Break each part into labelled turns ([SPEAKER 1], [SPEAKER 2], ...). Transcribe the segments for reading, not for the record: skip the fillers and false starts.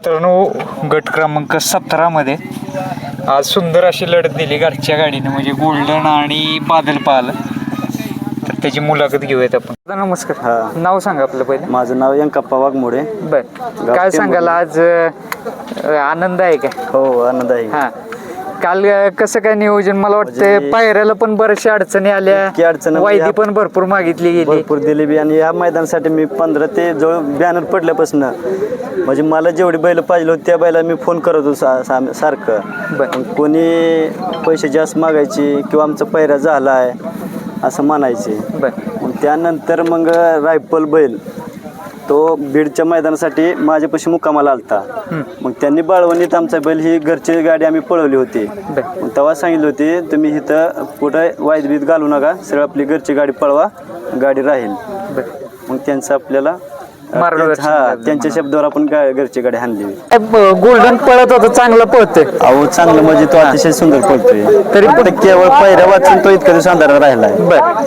[SPEAKER 1] मित्रांनो गट क्रमांक 17 मध्ये आज सुंदर अशी लढत दिली घरच्या गाडीने म्हणजे गोल्डन आणि बादल पाहिलं तर त्याची मुलाखत घेऊयात आपण. नमस्कार. नाव सांगा आपलं पहिले.
[SPEAKER 2] माझं नाव यंकप्पा वाघमोडे.
[SPEAKER 1] बर काय सांगाल आज आनंद आहे का?
[SPEAKER 2] हो आनंद आहे.
[SPEAKER 1] हा काल कसं काय नियोजन? मला वाटतं पायऱ्याला पण बऱ्याचशा अडचणी आल्या, वायदी पण भरपूर मागितली गेली,
[SPEAKER 2] भरपूर दिली बी. आणि या मैदानासाठी मी 15 ते जवळ बॅनर पडल्यापासून म्हणजे मला जेवढी बैल पाहिजे होती त्या बैला मी फोन करत होतो सारखं. कोणी पैसे जास्त मागायचे किंवा आमचा पायऱ्या झाला आहे असं म्हणायचे. मग त्यानंतर मग रायफल बैल तो बीडच्या मैदानासाठी माझ्यापाशी मुक्कामाला आलता. मग त्यांनी बाळवणीत आमचा बैल ही घरची गाडी आम्ही पळवली होती. मग तेव्हा सांगितले होते तुम्ही इथं कुठं वायदबीत घालू नका, सरळ आपली घरची गाडी पळवा, गाडी राहील. मग त्यांचं आपल्याला त्यांच्या शब्दावर आपण घरची गाडी हाणली.
[SPEAKER 1] गोल्डन पळत होतं, चांगलं पळतोय.
[SPEAKER 2] अहो चांगलं म्हणजे तो अतिशय सुंदर पळतोय. तरी पण केवळ पहिल्या वाचून तो इतका दिवस अंधारात राहिलाय.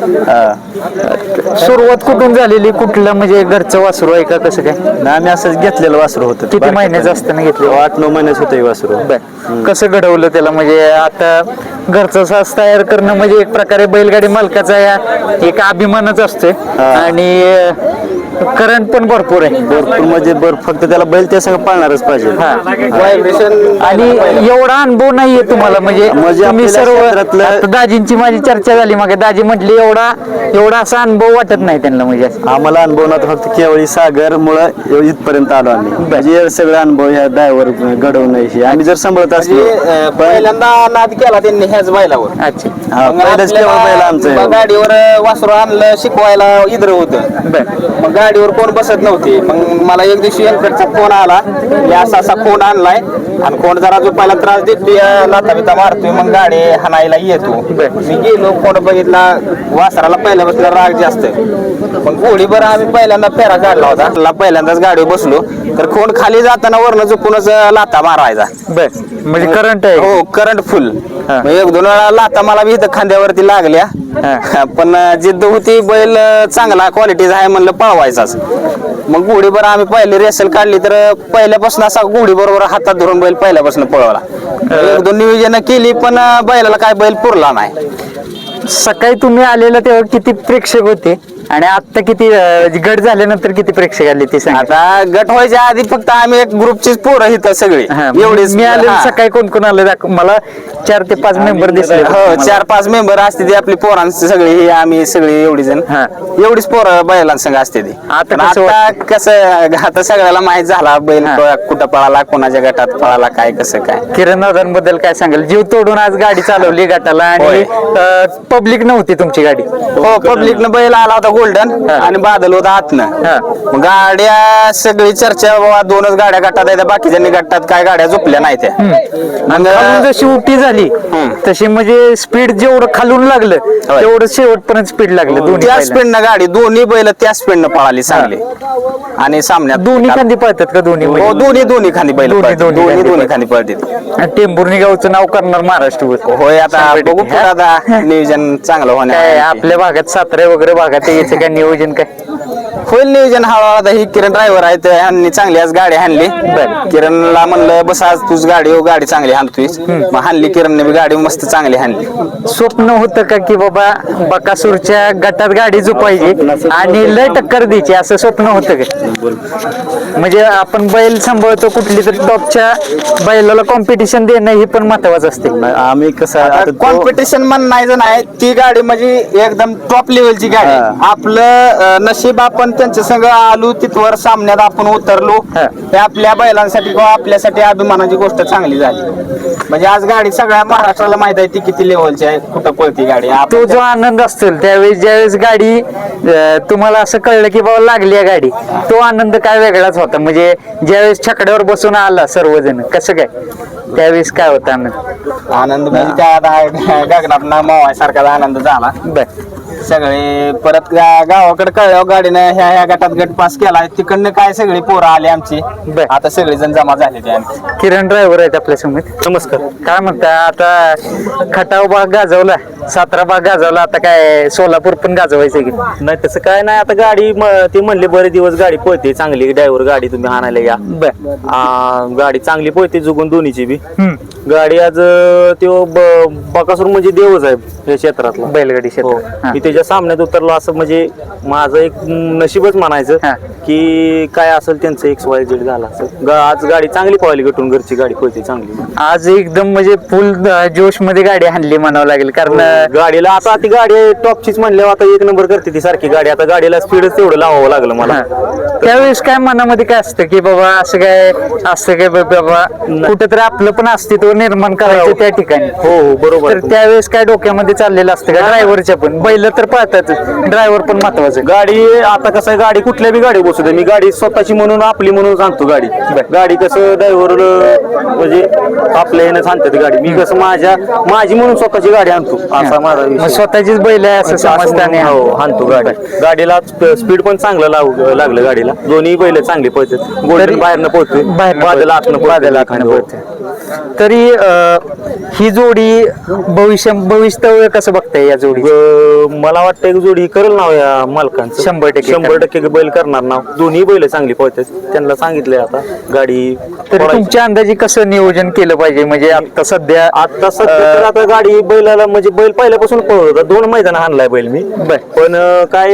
[SPEAKER 1] सुरुवात कुठून झालेली? कुठलं म्हणजे घरचं वासरू आहे का कसं काय?
[SPEAKER 2] ना आम्ही असंच घेतलेलं वासरू होतं.
[SPEAKER 1] किती महिन्याचं असताना घेतलं?
[SPEAKER 2] 8-9 महिन्याच होतं हे वासरू.
[SPEAKER 1] कसं घडवलं त्याला? म्हणजे आता घरचं सास तयार करणं म्हणजे एक प्रकारे बैलगाडी मालकाचा एक अभिमानच असतोय आणि करंट पण भरपूर आहे.
[SPEAKER 2] भरपूर म्हणजे फक्त त्याला बैल त्या सगळं पाळणारच पाहिजे.
[SPEAKER 1] आणि एवढा अनुभव नाहीये तुम्हाला म्हणजे तुम्ही सर्व दाजींची माझी चर्चा झाली मग दाजी म्हटली एवढा असा अनुभव वाटत नाही त्यांना. म्हणजे
[SPEAKER 2] आम्हाला अनुभव नव्हता, फक्त केवळ सागर मुळे इथपर्यंत आलो आम्ही. म्हणजे सगळं अनुभव ह्या ड्रायव्हर घडवणं हे आम्ही जर सांभाळत असलो.
[SPEAKER 3] पहिल्यांदा नाद केला त्यांनी ह्याच बैलावर.
[SPEAKER 1] अच्छा.
[SPEAKER 2] पहिल्याच केवळ बैल आमचं
[SPEAKER 3] गाडीवर वासरू आणलं शिकवायला इद्र होतं. मग गाडीवर कोण बसत नव्हती. मग मला एक दिवशी यांकडचा फोन आला, असा फोन आणलाय आणि कोण जरा जो पहिला त्रास देतोय, लाथा बिता मारतोय, मग गाडी हाणायला येतो. मी गेलो, कोण बघितला वासराला पहिल्यापासून राग जास्त. मग गोळीभर आम्ही पहिल्यांदा फेरा काढला होता. पहिल्यांदाच गाडीवर बसलो तर कोण खाली जाताना वरनं झोपूनच लाथा मारायचा.
[SPEAKER 1] म्हणजे करंट आहे?
[SPEAKER 3] हो करंट फुल. 1-2 वेळा लाथा मला बी इथं खांद्यावरती लागल्या, पण जिद्द होती, बैल चांगला क्वालिटीचा आहे म्हणलं पळवायचाच. मग गोळीभर आम्ही पहिली रेसल काढली तर पहिल्यापासून असा गोळी बरोबर हातात धरून बैल पहिल्यापासून पळवला. 1-2 नियोजन केली पण बैलाला काय बैल पुरला नाही.
[SPEAKER 1] सकाळी तुम्ही आलेला तेव्हा किती प्रेक्षक होते आणि आता किती गट झाल्यानंतर किती प्रेक्षक आले ते सांगा.
[SPEAKER 3] आता गट व्हायच्या आधी फक्त आम्ही एक ग्रुपचीच पोरं इथं सगळी एवढीच.
[SPEAKER 1] मी आले सकाळी कोण कोण आलं मला 4 ते 5 मेंबर दिसले.
[SPEAKER 3] हो 4-5 मेंबर असते ती आपली पोरांची सगळी ही आम्ही सगळी एवढी जण एवढीच पोरं बैलांसंग असते ती. आता कसं आता सगळ्याला माहित झाला बैल कुठं पळाला, कोणाच्या गटात पळाला, काय कसं काय.
[SPEAKER 1] किरण दादांबद्दल काय सांगाल? जीव तोडून आज गाडी चालवली गटाला आणि पब्लिक नव्हती तुमची गाडी?
[SPEAKER 3] हो पब्लिकनं बैल आला होता गोल्डन आणि बादल होता आतनं. गाड्या सगळी चर्चा बाबा 2च गाड्या गटात आहेत, बाकीच्यांनी गटात काय गाड्या झोपल्या नाही त्या.
[SPEAKER 1] जशी उठी झाली तशी म्हणजे स्पीड जेवढं खालून लागलं तेवढं शेवटपर्यंत स्पीड लागलं.
[SPEAKER 3] त्या स्पीडनं गाडी दोन्ही बैल त्या स्पीडनं पळाली चांगली. आणि सामन्यात
[SPEAKER 1] दोन्ही खांदी पळतात का? दोन्ही
[SPEAKER 3] दोन्ही खांदी बैल दोन्ही खांदी पळतात.
[SPEAKER 1] टेंभुर्णी गावचं नाव करणार महाराष्ट्रभर.
[SPEAKER 3] होय आता बघू आता नियोजन चांगलं होणार.
[SPEAKER 1] आपल्या भागात सातारा वगैरे भागात यायचं काय नियोजन काय
[SPEAKER 3] होईल? नियोजन हळूहळू. आता ही किरण ड्रायव्हर आहेत, ह्यांनी चांगली आज गाडी हाणली. किरणला म्हणलं बस आज तुझ गाडी चांगली हाणतोय. मग हाणली किरणने बी गाडी मस्त चांगली हाणली.
[SPEAKER 1] स्वप्न होतं का की बाबा बकासूरच्या गटात गाडी झोपायची आणि लय टक्कर द्यायची असं स्वप्न होतं का? म्हणजे आपण बैल सांभाळतो, कुठली तर टॉपच्या बैलाला कॉम्पिटिशन देणं हे पण महत्वाचं असते.
[SPEAKER 2] आम्ही कसं
[SPEAKER 3] कॉम्पिटिशन म्हणायचं नाही, ती गाडी म्हणजे एकदम टॉप लेवलची गाडी. आपलं नशीब आपण त्यांच्या संग आलो तिथवर सामन्यात आपण उतरलो, ते आपल्या बैलांसाठी किंवा आपल्यासाठी अभिमानाची गोष्ट चांगली झाली. म्हणजे आज गाडी सगळ्या महाराष्ट्राला माहित आहे ती किती लेवलची आहे, कुठं पळती गाडी.
[SPEAKER 1] तो जो आनंद असतो त्यावेळेस ज्यावेळेस गाडी तुम्हाला असं कळलं की बाबा लागली आहे गाडी, तो आनंद काय वेगळाच होता. म्हणजे ज्यावेळेस छकड्यावर बसून आला सर्वजण कसं काय त्यावेळेस काय होता
[SPEAKER 3] आनंद म्हणजे त्या गगनात मावायसारखा आनंद झाला. सगळे परत गावाकडे कळल्यावर गाडीनं ह्या गटात गट पास केला. तिकडनं काय सगळी पोरं आली आमची, आता सगळे जण जमा झाले.
[SPEAKER 1] किरण ड्रायव्हर आहेत आपल्या समोर.
[SPEAKER 2] नमस्कार.
[SPEAKER 1] काय म्हणता? आता खटाव भाग गाजवला 17 भाग गाजवला, आता काय सोलापूर पण गाजवायचं की?
[SPEAKER 4] नाही तसं काय नाही, आता गाडी ते म्हणले बरे दिवस गाडी पळते चांगली, ड्रायव्हर गाडी तुम्ही आणायला या.
[SPEAKER 1] बर.
[SPEAKER 4] गाडी चांगली पळते जुगून दोन्हीची बी.
[SPEAKER 1] हम्म.
[SPEAKER 4] गाडी आज तो बकासूर म्हणजे देवच आहे या क्षेत्रातला.
[SPEAKER 1] बैलगाडी
[SPEAKER 4] हो.
[SPEAKER 1] क्षेत्र. हा.
[SPEAKER 4] मी त्याच्या सामन्यात उतरलो असं म्हणजे माझं एक नशीबच म्हणायचं
[SPEAKER 1] हा.
[SPEAKER 4] की काय असेल त्यांचं XYZ झालं असेल. आज गाडी चांगली पळाली गटून, घरची गाडी पळते चांगली.
[SPEAKER 1] आज एकदम म्हणजे फुल जोश मध्ये गाडी हाणली म्हणावं लागेल, कारण
[SPEAKER 4] गाडीला आता ती गाडी टॉपचीच म्हणल्यावर आता एक नंबर करते ती सारखी गाडी. आता गाडीला स्पीडच तेवढं लावावं लागलं मला.
[SPEAKER 1] त्यावेळेस काय मनामध्ये काय असतं की बाबा असं काय बाबा कुठेतरी आपलं पण अस्तित्व निर्माण करायचं त्या ठिकाणी.
[SPEAKER 4] हो बरोबर.
[SPEAKER 1] तर त्यावेळेस काय डोक्यामध्ये चाललेलं असतं का? ड्रायव्हरच्या पण बैल तर पळतात, ड्रायव्हर पण महत्वाचं.
[SPEAKER 4] गाडी आता कसं आहे, गाडी कुठल्या बी गाडी बसू दे, मी गाडी स्वतःची म्हणून आपली म्हणून आणतो गाडी. गाडी कसं ड्रायव्हर म्हणजे आपल्या यानं आणतात गाडी. मी कसं माझी म्हणून स्वतःची गाडी आणतो, असा माझा
[SPEAKER 1] मग
[SPEAKER 4] विषय.
[SPEAKER 1] स्वतःचीच बैल आहे असं समजताना.
[SPEAKER 4] हो आणतो गाडी. गाडीला स्पीड पण चांगलं लागलं गाडीला. दोन्ही बैल चांगली पळतात. गोल्डन बाहेरनं पळतोय, बादल आतनं पळतोय.
[SPEAKER 1] तरी ही जोडी भविष्यव्य कसं बघताय या जोडी?
[SPEAKER 4] मला वाटतं एक जोडी करेल नाव या मालकांचं. 100% बैल करणार नाव. दोन्ही बैल चांगली पळतात, त्यांना सांगितलंय आता गाडी.
[SPEAKER 1] तरी तुमच्या अंदाजे कसं नियोजन केलं पाहिजे? म्हणजे आता सध्या
[SPEAKER 4] तर आता गाडी बैलाला म्हणजे बैल पहिल्यापासून पळत होता. 2 मैदान हाणलाय बैल मी. पण काय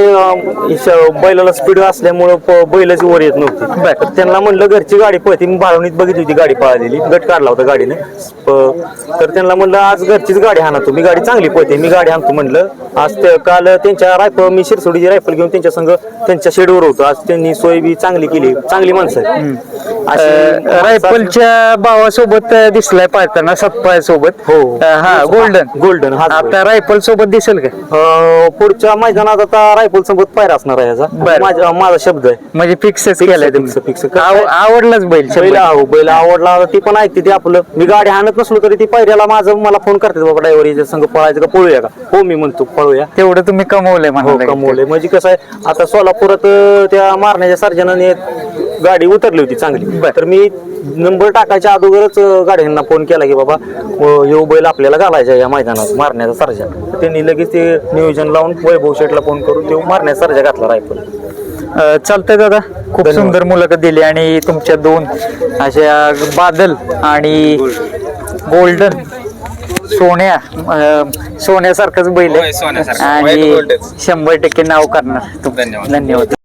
[SPEAKER 4] बैलाला स्पीड असल्यामुळं बैलच वर येत नव्हती. तर त्यांना म्हणलं घरची गाडी पळते. मी बाळवणीत बघितली होती गाडी पळालेली, गट काढला होता गाडीने. तर त्यांना म्हणलं आज घरचीच गाडी हाणा, मी गाडी चांगली पळते, मी गाडी हाणतो म्हणलं. आज काल त्यांच्या रायफल, मी शिरसोडीची रायफल घेऊन त्यांच्या संघ त्यांच्या शेडवर होतो. आज त्यांनी सोय बी चांगली केली, चांगली माणसं आहेत.
[SPEAKER 1] रायफलच्या भावासोबत दिसलाय पाहताना सतपाय सोबत.
[SPEAKER 4] हो.
[SPEAKER 1] हा गोल्डन आता रायफल सोबत दिसेल का?
[SPEAKER 4] पुढच्या मैदानात आता रायफल सोबत पायरा असणार आहे याचा. माझा शब्द आहे
[SPEAKER 1] म्हणजे फिक्सच केलाय तुम्ही?
[SPEAKER 4] फिक्स.
[SPEAKER 1] आवडलाच बैल?
[SPEAKER 4] बैल आवडला, ती पण ऐकते ती आपलं. मी गाडी आणत नसलो तरी ती पायऱ्याला मला फोन करते, बाबा ड्रायव्हर याच्या संघ पळायचं का, पळूया का? हो मी म्हणतो पळूया.
[SPEAKER 1] तेवढं तुम्ही कमवलंय म्हणा.
[SPEAKER 4] कमवलंय म्हणजे कसं आहे, आता सोलापुरात त्या मारण्याच्या सर्जनाने गाडी उतरली होती चांगली. तर मी नंबर टाकायच्या अगोदरच गाड्यांना फोन केला की बाबा यो बैल आपल्याला घालायचा या मैदानात मारण्याचा सर्जा. त्यांनी लगेच ते नियोजन लावून वैभव शेटला फोन करून तो मारण्याचा सर्जा घातला रायफल.
[SPEAKER 1] चालतंय दादा, खूप सुंदर मुलाखत दिली आणि तुमच्या 2 अशा बादल आणि गोल्डन सोन्यासारखंच बैल आहे आणि 100% नाव करणार. धन्यवाद.